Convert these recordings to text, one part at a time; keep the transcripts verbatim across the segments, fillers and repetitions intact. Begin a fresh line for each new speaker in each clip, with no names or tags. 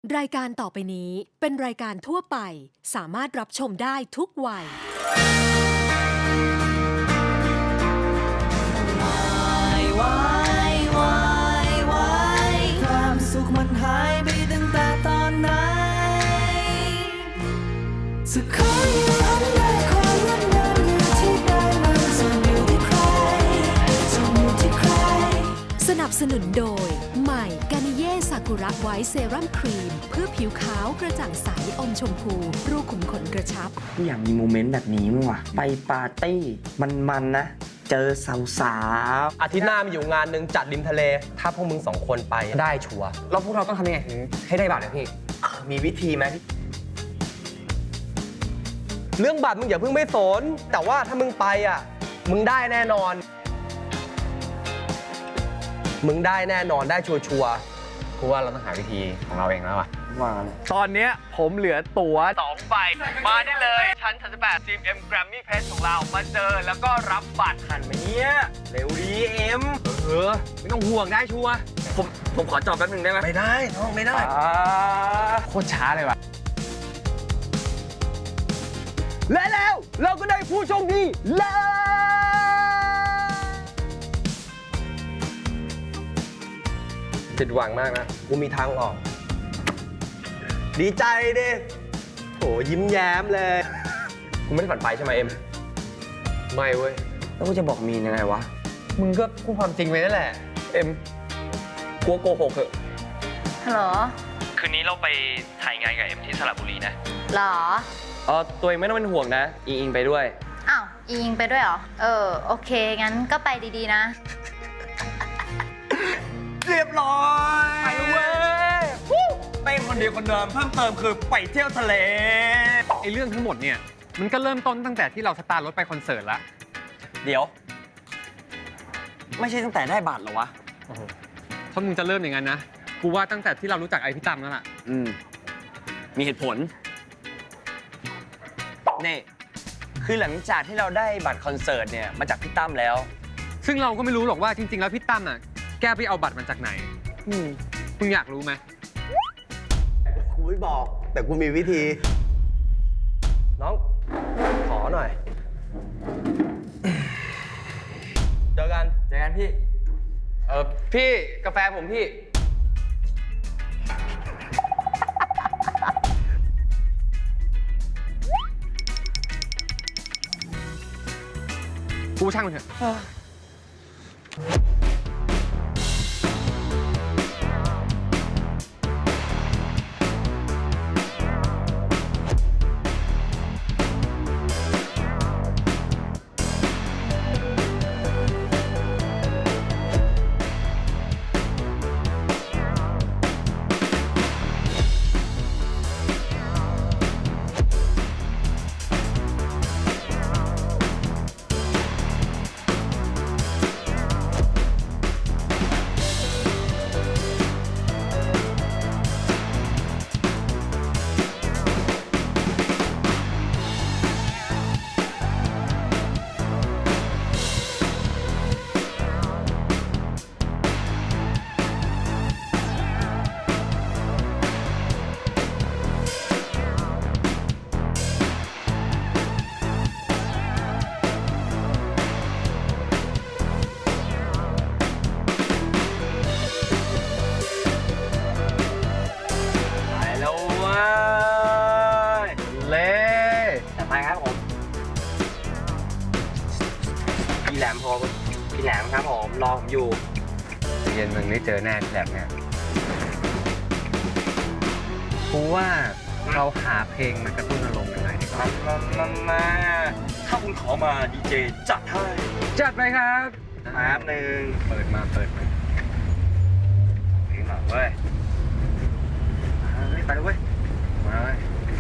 รายการต่อไปนี้เป็นรายการทั่วไปสามารถรับชมได้ทุกวัย
ความสุขมันหายไปตั้งแต่ตอนไหนสักครั้งยังหันได้ความงดงามอยู่ที่ใดมันจะอยู่ที่ใครจะอยู่ที่ใคร
สนับสนุนโดยใหม่กานิเย่ซากุระไวท์เซรั่มครีมเพื่อผิวขาวกระจ่างใสอมชมพูรูขุมขนกระชับ
อยากมีโมเมนต์แบบนี้มั้งวะไปปาร์ตี้มันๆนะเจอสาวๆ
อาทิตย์หน้ามีอยู่งานหนึ่งจัดริมทะเลถ้าพวกมึงสองคนไปได้ชัวร์
แล้วพวกเราต้องทำยังไงถึงให้ได้บัตรเนี่ยพี่
มีวิธีไหม
เรื่องบัตรมึงอย่าเพิ่งไม่สนแต่ว่าถ้ามึงไปอ่ะมึงได้แน่นอน มึงได้แน่นอนได้ชัวร์ๆ
กูว่าเราต้องหาวิธีของเราเองแล้วอ่ะ
ว่าเลย
ตอนนี้ผมเหลือตั๋วสองใบมาได้เลยชั้นสามสิบแปด จี เอ็ม Grammy Press ของเรามาเจอแล้วก็รับบัตรทันไหมเนี่ยเร็วดีเอ็มเออไม่ต้องห่วงได้ชัวร์ผมผมขอจอดแป๊บนึงได้ไหม
ไม่ได้น้องไม่ได้
โคตรช้าเลยว่ะ
และแล้วเราก็ได้ผู้โชคดีแล้วผิดหวังมากนะกูมีทางออก ดีใจดิโหยิ้มแย้มเลยกูไม่ได้ฝันไปใช่ไหมเอ็มไม่เว้ย
แล้วกูจะบอกมีนยังไงวะ
มึงก็พูดความจริงไปนั่นแหละเอ็มกลัวโกหกเหอะ
ฮัลโหล
คืนนี้เราไปถ่ายงานกับเอ็มที่สระบุรีนะ
หรอ
เออตัวเองไม่ต้องเป็นห่วงนะอิงอิงไปด้วย
อ้าวอิงไปด้วยเหรอ เออ โอเค งั้นก็ไปดีๆนะ
เรียบร้อยไปเว้ยเต้นคนเดียวคนเดิมเพิ่มเติมคือไปเที่ยวทะเล
ไอ้เรื่องทั้งหมดเนี่ยมันก็เริ่มต้นตั้งแต่ที่เราสตาร์ทรถไปคอนเสิร์ตละ
เดี๋ยว ไม่ใช่ตั้งแต่ได้บัตรเหรอวะ
ถ้ามึงจะเริ่มอย่างนั้นนะกูว่าตั้งแต่ที่เรารู้จักไอพี่ตั้มนั่นแหละ
อืม มีเหตุผลนี่คือหลังจากที่เราได้บัตรคอนเสิร์ตเนี่ยมาจากพี่ตั้มแล้ว
ซึ่งเราก็ไม่รู้หรอกว่าจริงๆแล้วพี่ตั้มอ่ะแกไปเอาบัตรมาจากไหน
อืม
มึงอยากรู้ไหม
กูไม่บอกแต่กูมีวิธี น้อง ขอหน่อย เจอกัน
เจอกันพี่ เออพี่กาแฟผมพี่
กูช่างมันเถอะ
ไปแล้วเว้ย
เล่
แต่ไปครับผม พี่แหลมพอพี่แหลมครับผม รอผมอยู่
เย็นมึงได้เจอแน่แบบเนี้ยกูว่าเราหาเพลงมากระตุ้นอารมณ์กันหน่อยดีกว่า
มามามาถ้าคุณขอมาดีเจจัดให้
จัดไปครับ
แป๊บหนึ่ง
เปิดมาเปิดมา
เพลงหน่อยเว้ยเฮ้ยไปเลยเว้ย
มาเลย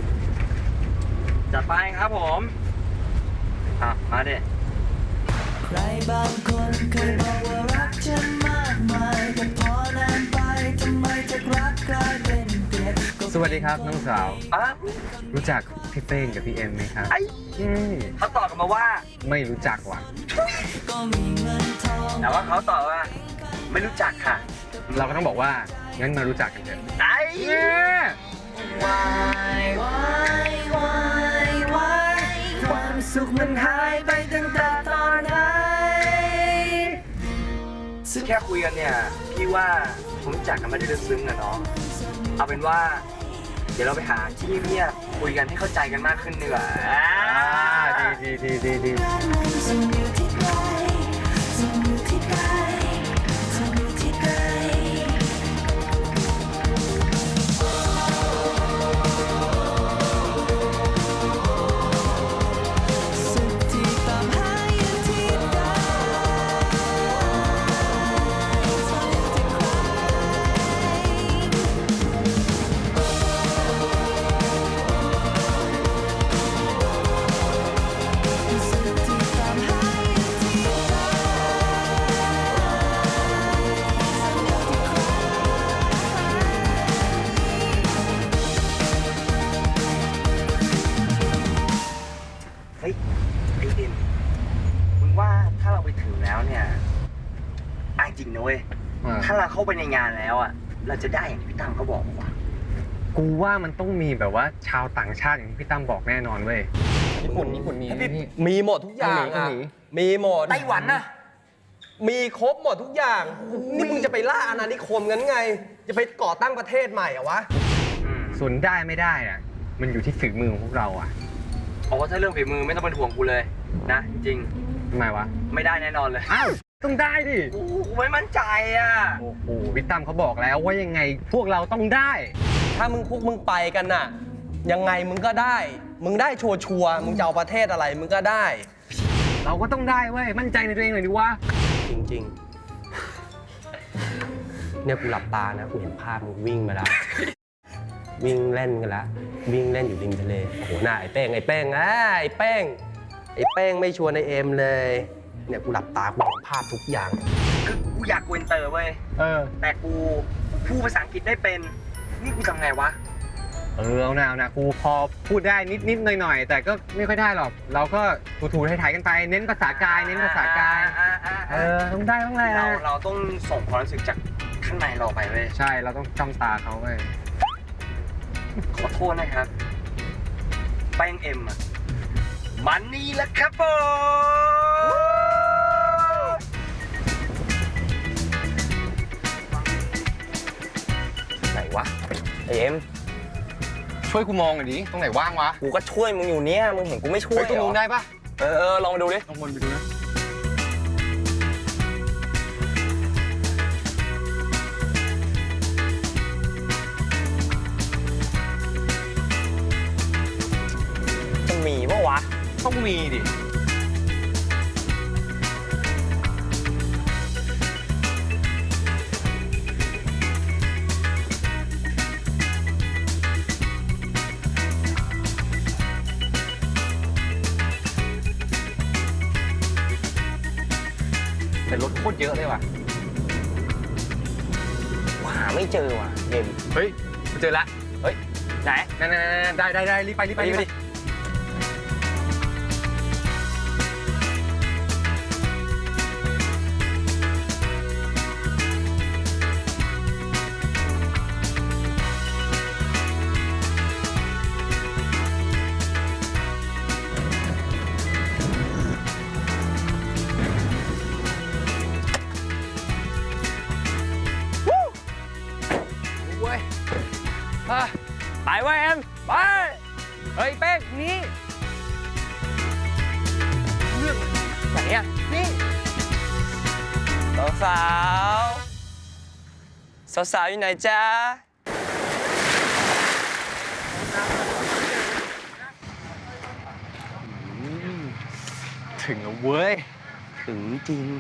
จัดไปครับผมอ่ะมาดิ
ใครบางคนเคยบอกว่ารักฉันมากมายแต่พอนานไปทำไมจากรักกลายเป็นเกลียด
สวัสดีครับน้องสาว
อ่ะ
รู้จักพี่เป้งกับพี่เอ็มไหมครับ
ไอ้
อืม
เขาตอบกลับมาว่า
ไม่รู้จักว่ะ
ก็มีเงินทอง
แต่ว่าเขาตอบว่า ไม่รู้จักค่ะ
เราก็ต้องบอกว่างั้นมารู้จักกันเถอะ
ไอ้
เย้
กมันหายไปตั้งแต่ตอนไหน
ซึ่งแค่คุยกันเนี่ย พี่ว่าผมรู้จักกันไม่ได้ลึกซึ้งอะเนาะเอาเป็นว่า เดี๋ยวเราไปหาที่เงียบๆคุยกันให้เข้าใจกันมากขึ้นดีกว่า
อ่าดีดีดีดีดี
ส่งอยู่ที่ไกลส่งอยู่ที่ไกลส่งอยู่ที่ไกลสุขที่ตามหาอยู่ที่ใดส่งอยู่ที่ใครสุขที่ตามหาอยู่ที่ใดส่งอยู่ที่ใคร
เฮ้ยไอเอ็มมึงว่าถ้าเราไปถึงแล้วเนี่ยไอ้จริงนะเว้ย
อ่า
ถ้าเราเข้าไปในงานแล้วอ่ะ เราจะได้อย่างที่พี่ตั้มเขาบอกว่า
กูว่ามันต้องมีแบบว่าชาวต่างชาติอย่างที่พี่ตั้มบอกแน่นอนเว้ย ญี่ปุ่นญี่ปุ่นมีไหมพี่
มีหมดทุกอย่าง
เกา
อ่ะ
หลี
มีหมด
ไต้หวันนะ
มีครบหมดทุกอย่าง นี่มึงจะไปล่าอาณานิคมงั้นไง จะไปก่อตั้งประเทศใหม่เหรอวะ
อืม
ส่วนได้ไม่ได้อะมันอยู่ที่ฝีมือของพวกเราอะ
เอาว่าถ้าเรื่องฝีมือไม่ต้องเป็นห่วงกูเลยนะ จริง
ทำไมวะ
ๆไม่ได้แน่นอนเลย
อ้าวต้องได้ดิ
กูไม่มั่นใจอ่ะ
โอ้โหพี่ตั้มเขาบอกแล้วว่ายังไงพวกเราต้องได้
ถ้ามึงพวกมึงไปกันน่ะ ยังไงมึงก็ได้ มึงได้ชัวชัวร์ๆมึงจะเอาประเทศอะไรมึงก็ได้
เราก็ต้องได้เว้ยมั่นใจในตัวเองหน่อยดิวะ
จริงๆ เนี่ยกูหลับตานะกูเห็นภาพมึงวิ่งมาแล้ว วิ่งเล่นกันแล้ว วิ่งเล่นอยู่ริมทะเล โอ้โหหน้าไอ้เป้งไอ้เป้งอ่ะไอ้เป้งไอ้เป้งไม่ชวนไอ้เอ็มเลย เนี่ยกูหลับตากูเห็นภาพทุกอย่าง
คือกูอยากกูอินเตอร์เว้ย
เออ
แต่กูพูดภาษาอังกฤษได้เป็น นี่กูทำไงวะ
เออเอาหนาวนะกูพอพูดได้นิดนิดหน่อยหน่อยๆ แต่ก็ไม่ค่อยได้หรอก เราก็ถูๆไทยๆกันไป เน้นภาษากาย เน้นภาษากาย
อ่าอ่า
เอ
อ่า
อ ต้องได้ต้องแหละ
เราเราต้องส่งความรู้สึกจากข้างในเราไปเว้ย
ใช่ เราต้องจ้องตาเขาเว้ย
ขอโทษนะครับ แป้งเอ็มอะมันนี่แหละครับผมไหนวะไอเอ็ม
ช่วยกูมองหน่อยดิ ตรงไหนว่างวะ
กูก็ช่วยมึงอยู่เนี่ย มึงเห็นกูไม่ช่วย
เฮ้ยตรง
เหร
นู้
อน
ได้ปะ
เออเออลองมาดูดิ
ลองวนไปดูนะ
จะมีปะวะ
ต้องมีดิ แต่รถโคตรเยอะเลยว่ะ
หาไม่เจอว่ะเอ็ม
เฮ้ยกูเจอละ
เฮ้ย ไหน
นั่นๆๆๆได้ได้ได้รีบไปรีบไป
ไปดิ
รีบ
ไป
ไป
ดิ
เว้ยอ่ะไปเว้ยเอ็ม ไป เฮ้ย เป้งนี่เรื่องไหนอ่ะ นี่
สาวสาวสาวสาวอยู่ไหนจ๊ะ
ถึงแล้วเว้ย
ถึงจริง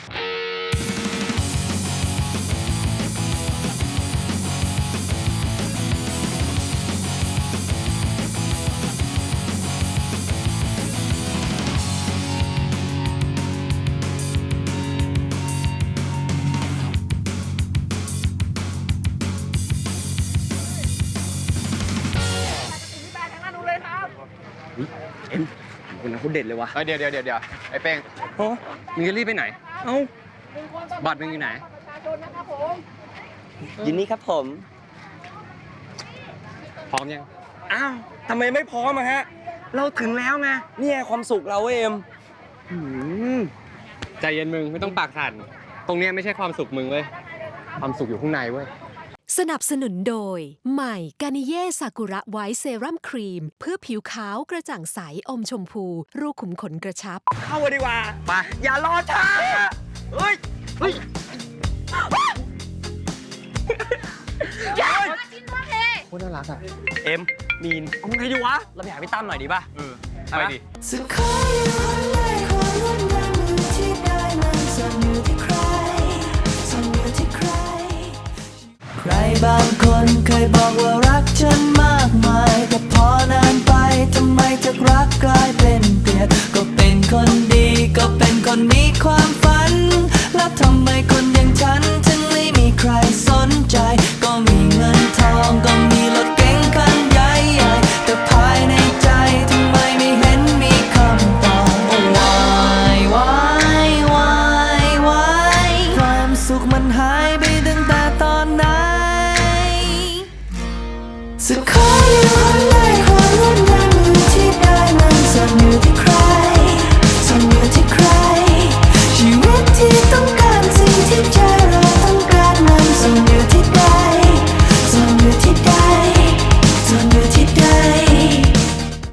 เอ็มคนนั้นเขาเด็ดเลยวะ
เอ้ยเดี๋ยวเดี๋ยวเดี๋ยวเดี๋ยวไอ้เป้ง
โอ้
มึงจะรีบไปไหน
เอ้า
บัตรมึงอยู่ไหน
ยินนี่ครับผม
พร้อมยัง
อ้าวทำไมไม่พร้อมอะฮะ
เราถึงแล้วไง
เนี่ยความสุขเราเว้ยเอ็ม
อืมใจเย็นมึงไม่ต้องปากสั่นตรงเนี้ยไม่ใช่ความสุขมึงเว้ยความสุขอยู่ข้างในเว้ย
สนับสนุนโดย ใหม่กานิเย่ซากุระไวท์เซรั่มครีม เพื่อผิวขาวกระจ่างใสอมชมพู รูขุมขนกระชับ
เข้ามาดีกว่า ไป อย่ารอช้า เฮ้ย เฮ้ย
โคตรน่ารักอ่ะ
เอ็ม มีนเอาไงดีวะ เราไปหาพี่ตั้มหน่อยดีป่ะ เออ ไปดิ
สุดขออยู่ข้างในความงดงามมือที่ได้มันซ่อนอยู่ที่ใครซ่อนอยู่ที่ใคร ใครบางคนเคยบอกว่ารักฉันมากมาย แต่พอนานไปทำไมจากรักกลายเป็นเกลียดก็เป็นคนดีก็เป็นคนมีความฝัน แล้วทำไมคนอย่างฉันถึงไม่มีใครสนใจ ก็มีเงินทองก็มีรถเก๋งคันใหญ่ใหญ่แต่ภายในใจทำไมไม่เห็นมีคำตอบโอ้วายวายวายวายความสุขมันหายไปตั้งแต่ตอนไหนสุดขออยู่ข้าง